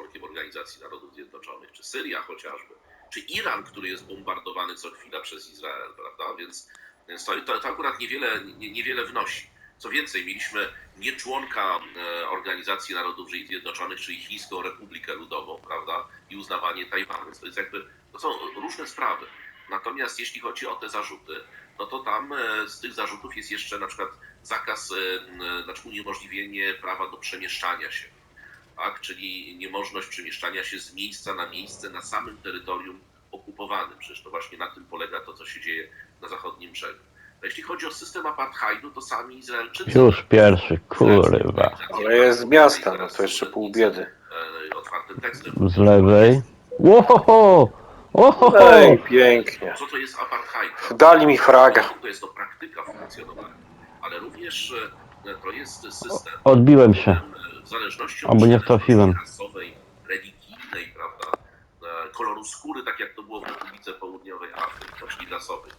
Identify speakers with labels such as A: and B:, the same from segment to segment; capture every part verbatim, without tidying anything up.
A: członkiem Organizacji Narodów Zjednoczonych, czy Syria chociażby, czy Iran, który jest bombardowany co chwila przez Izrael, prawda? Więc, więc to, to, to akurat niewiele, nie, niewiele wnosi. Co więcej, mieliśmy nie członka Organizacji Narodów Zjednoczonych, czyli Chińską Republikę Ludową, prawda? I uznawanie Tajwanu. To jest jakby, to są różne sprawy. Natomiast jeśli chodzi o te zarzuty, no to tam z tych zarzutów jest jeszcze na przykład zakaz, znaczy uniemożliwienie prawa do przemieszczania się, tak? Czyli niemożność przemieszczania się z miejsca na miejsce na samym terytorium okupowanym. Przecież to właśnie na tym polega to, co się dzieje na zachodnim brzegu. A jeśli chodzi o system apartheidu, to sami Izraelczycy...
B: Już pierwszy, kurwa.
C: Ale jest z miasta, no to jeszcze pół biedy.
A: Otwartym tekstem.
B: Z lewej. Łohoho! Ohoho!
C: Ej, pięknie.
A: Co to jest apartheid?
C: Dali mi fraga.
A: To jest to praktyka funkcjonowania, ale również to jest system...
B: Odbiłem się.
A: W zależności
B: Albo nie
A: od
B: trafiłem.
A: rasowej, religijnej, prawda, koloru skóry, tak jak to było w Republice Południowej Afryki, czyli rasowej.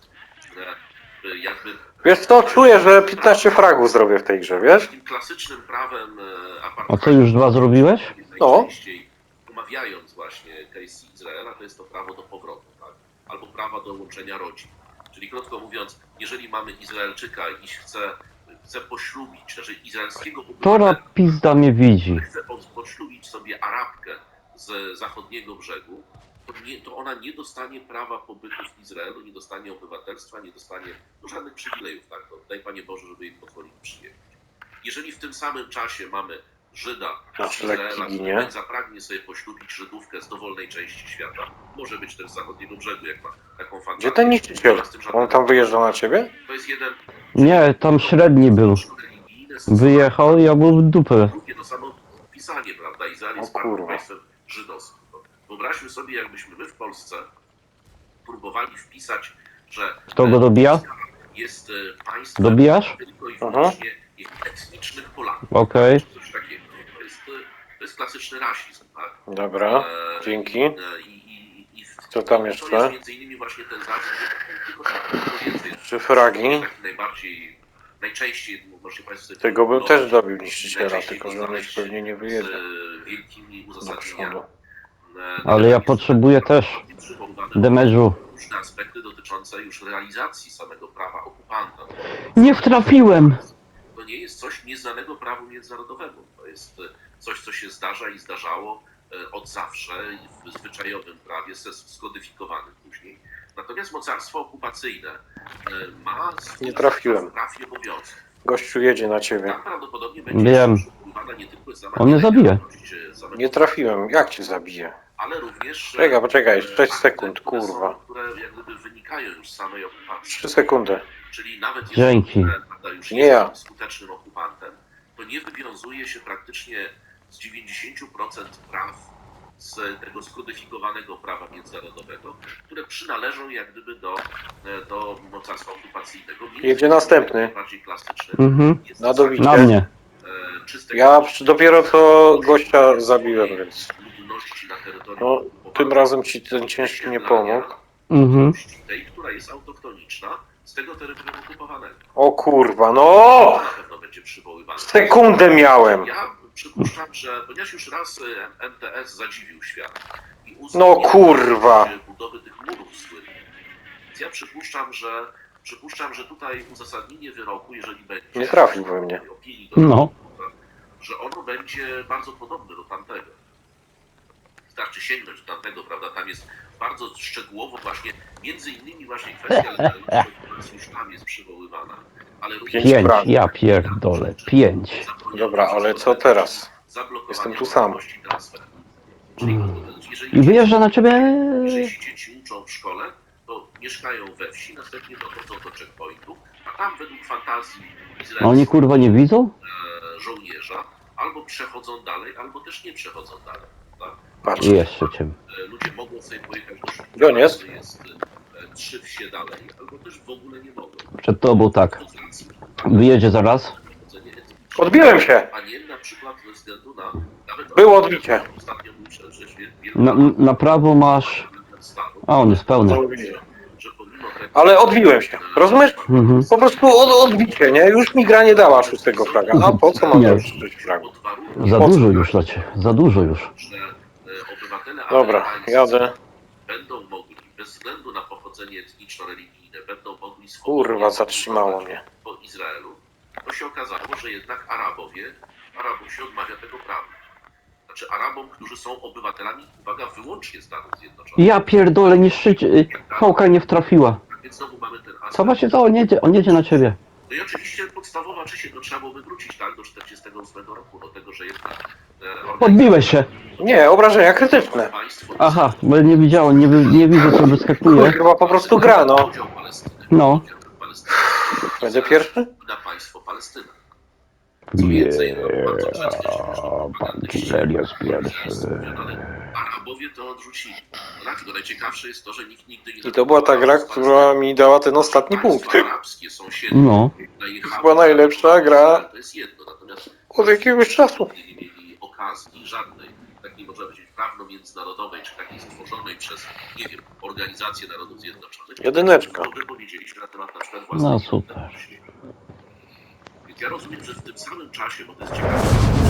A: Jakby...
C: Wiesz co, czuję, że piętnaście fragów zrobię w tej grze, wiesz?
A: Takim klasycznym prawem apartheidu...
B: A co, już dwa zrobiłeś?
C: No.
A: Najczęściej omawiając właśnie case Izraela, to jest to prawo do powrotu, tak? Albo prawa do łączenia rodzin. Czyli krótko mówiąc, jeżeli mamy Izraelczyka i chce, chce poślubić, znaczy izraelskiego
B: Tora
A: obywatela,
B: pizda mnie widzi.
A: chce poślubić sobie Arabkę z zachodniego brzegu, to, nie, to ona nie dostanie prawa pobytu w Izraelu, nie dostanie obywatelstwa, nie dostanie no, żadnych przywilejów. Tak? To daj Panie Boże, żeby jej pozwolić przyjechać. Jeżeli w tym samym czasie mamy Żyda z Izraela, który zapragnie sobie poślubić Żydówkę z dowolnej części świata, może być też z zachodniego brzegu, jak ma taką fantazję.
C: Gdzie ten niszczyciel? On tam wyjeżdżał na ciebie?
A: To jest jeden...
B: Nie, tam średni był. Wyjechał i ja był w dupę.
A: Drugie to samo pisanie, prawda? Izrael jest państwem żydowskim. Wyobraźmy sobie, jakbyśmy my w Polsce próbowali wpisać, że
B: Kto go dobija?
A: jest państwem
B: Dobijasz?
A: tylko i wyłącznie etnicznych Polaków.
B: Okej. Okay.
A: Coś takiego. To jest, to jest klasyczny rasizm, tak?
C: Dobra, dzięki.
A: I, i, i
C: Co tam
A: to
C: jeszcze?
A: jest między innymi właśnie ten zarzut, tylko więcej.
C: Czy fragi?
A: Najbardziej, najczęściej, może Państwo sobie...
C: Tego bym też dobił niszczyciela, tylko że on już pewnie nie wyjedzie.
A: Z wielkimi uzasadnieniami.
B: Ale ja potrzebuję też damage'u.
A: Różne aspekty dotyczące już realizacji samego prawa okupanta.
B: Nie wtrafiłem!
A: To nie jest coś nieznanego prawu międzynarodowemu. To jest coś, co się zdarza i zdarzało od zawsze w zwyczajowym prawie, skodyfikowanym później. Natomiast mocarstwo okupacyjne ma
C: nie trafiłem.
A: praw i obowiązków.
C: Gościu jedzie na ciebie.
A: Tam prawdopodobnie będzie
B: Wiem.
A: nie tylko sama
B: On mnie zabije.
C: Nie trafiłem. Jak cię zabije?
A: Ale również...
C: Czekaj, poczekaj, sześć sekund, kurwa.
A: Które jak gdyby wynikają już z samej okupacji.
C: trzy sekundy.
A: Czyli nawet
B: Dzięki.
A: jeżeli już
C: nie ja.
A: jest skutecznym okupantem, to nie wywiązuje się praktycznie z dziewięćdziesięciu procent praw z tego skodyfikowanego prawa międzynarodowego, które przynależą jak gdyby do, do mocarstwa okupacyjnego.
C: Jedzie następny.
A: Bardziej klasyczny.
B: Mhm.
C: Na dobicie.
B: Na mnie.
C: Ja dopiero co gościa zabiłem, więc... No, tym razem ci ten ciężki nie pomógł.
B: Mhm.
A: Tej, która jest autochtoniczna z tego terytorium okupowanego.
C: O kurwa, no!
A: Na pewno będzie przywoływana.
C: Sekundę miałem!
A: Ja przypuszczam, że ponieważ już raz M T S zadziwił świat i
C: no kurwa!
A: budowy tych murów słynnych. Więc ja przypuszczam, że przypuszczam, że tutaj uzasadnienie wyroku, jeżeli będzie...
C: Nie trafił we mnie.
A: Opinii,
B: no.
A: Że ono będzie bardzo podobne do tamtego. Wystarczy sięgnąć do tamtego, prawda? Tam jest bardzo szczegółowo właśnie, między innymi właśnie kwestia legalności, która już tam jest przywoływana. Ale również
B: Pięć, ja pierdolę, pięć.
C: Dobra, ale co teraz? Jestem tu sam.
B: I wyjeżdża na ciebie...
A: Jeżeli dzieci uczą w szkole, to mieszkają we wsi, następnie dochodzą do checkpointu, a tam według fantazji
B: A oni kurwa nie widzą?
A: żołnierza albo przechodzą dalej, albo też nie przechodzą dalej. Tak?
C: Patrz.
B: Jeszcze cię.
A: Ludzie mogą sobie pojechać do szkoły,
C: gdzie on jest?
A: jest trzy wsie dalej, albo też w ogóle nie mogą.
B: Przed tobą tak. Wyjedzie zaraz.
C: Odbiłem się!
A: A nie na przykład ze względu na... Nawet
C: Było odbicie.
A: Ostatnio muszę, że
B: Na, na prawo masz... A on jest pełny.
C: Ale odbiłem się, rozumiesz?
B: Mhm.
C: Po prostu od, odbicie, nie? Już mi gra nie dała szóstego fraga. A po co mam już sześć fragów?
B: Za dużo już dla ciebie. Za dużo już.
A: obywatele
C: Dobra,
A: amerykańscy
C: jadę.
A: będą mogli, bez względu na pochodzenie etniczno-religijne, będą mogli
C: Kurwa,
A: swobodnie
C: zatrzymało
A: podróżować
C: mnie.
A: po Izraelu, to się okazało, że jednak Arabowie, Arabom się odmawia tego prawa. Znaczy Arabom, którzy są obywatelami, uwaga, wyłącznie Stanów Zjednoczonych.
B: Ja pierdolę, niszczyć... Fałka nie wtrafiła.
A: Więc znowu mamy ten aspekt.
B: Co właśnie to? On jedzie, on jedzie na ciebie.
A: No i oczywiście podstawowa czyść, no trzeba byłoby wrócić tak do czterdziestego ósmego roku, do tego, że jednak... e,
B: Podbiłeś się.
C: Nie, obrażenia krytyczne.
A: Państwo
B: Aha, bo ja nie widziałem, nie, wy, nie widzę co wyskakuje.
C: Kurwa, po prostu gra, no.
A: Podział Palestyny.
B: No.
A: Podział Palestyny.
C: Będę pierwszy?
A: Na państwo Palestyna. Co więcej, no, bardzo często propagandyści,
B: Helios pierwszy.
A: Arabowie to odrzucili. No tak, tylko najciekawsze jest to, że nikt nigdy nie...
C: I to była ta gra, która mi dała ten ostatni punkt.
A: Państwa arabskie, sąsiednie,
B: No.
A: najechały
C: Była najlepsza gra
A: to jest jedno, natomiast
C: od jakiegoś czasu.
A: nie mieli okazji żadnej, takiej można powiedzieć prawno-międzynarodowej, czy takiej stworzonej przez, nie wiem, Organizację Narodów Zjednoczonych.
C: Jedyneczka.
A: To wypowiedzieliśmy na temat na przykład własnej
B: No super.
A: niepodległości. Więc ja rozumiem, że w tym samym czasie, bo to jest ciekawe,